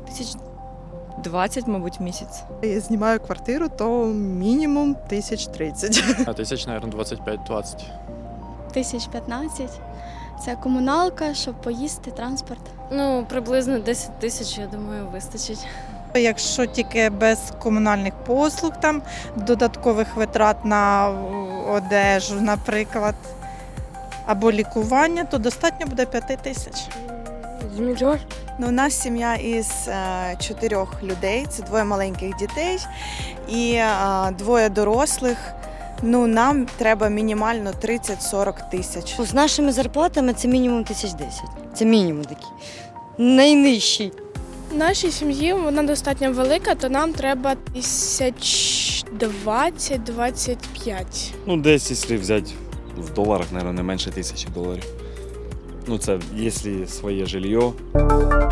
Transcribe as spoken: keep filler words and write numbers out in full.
Тисяч двадцять, мабуть, в місяць. Я знімаю квартиру, то мінімум тисяч тридцять. А тисяч, мабуть, двадцять п'ять двадцять. Тисяч п'ятнадцять. Це комуналка, щоб поїсти, транспорт. Ну, приблизно десять тисяч, я думаю, вистачить. Якщо тільки без комунальних послуг, там додаткових витрат на одежу, наприклад, або лікування, то достатньо буде п'ять тисяч. Ну, у нас сім'я із е, чотирьох людей, це двоє маленьких дітей і е, двоє дорослих. Ну, нам треба мінімально тридцять-сорок тисяч. З нашими зарплатами це мінімум тисяч десять. Це мінімум такий. Найнижчий. В нашій сім'ї вона достатньо велика, то нам треба тисяч двадцять-двадцять п'ять. Ну, десь, якщо взяти в доларах, мабуть, не менше тисячі доларів. Ну, це якщо своє жилье.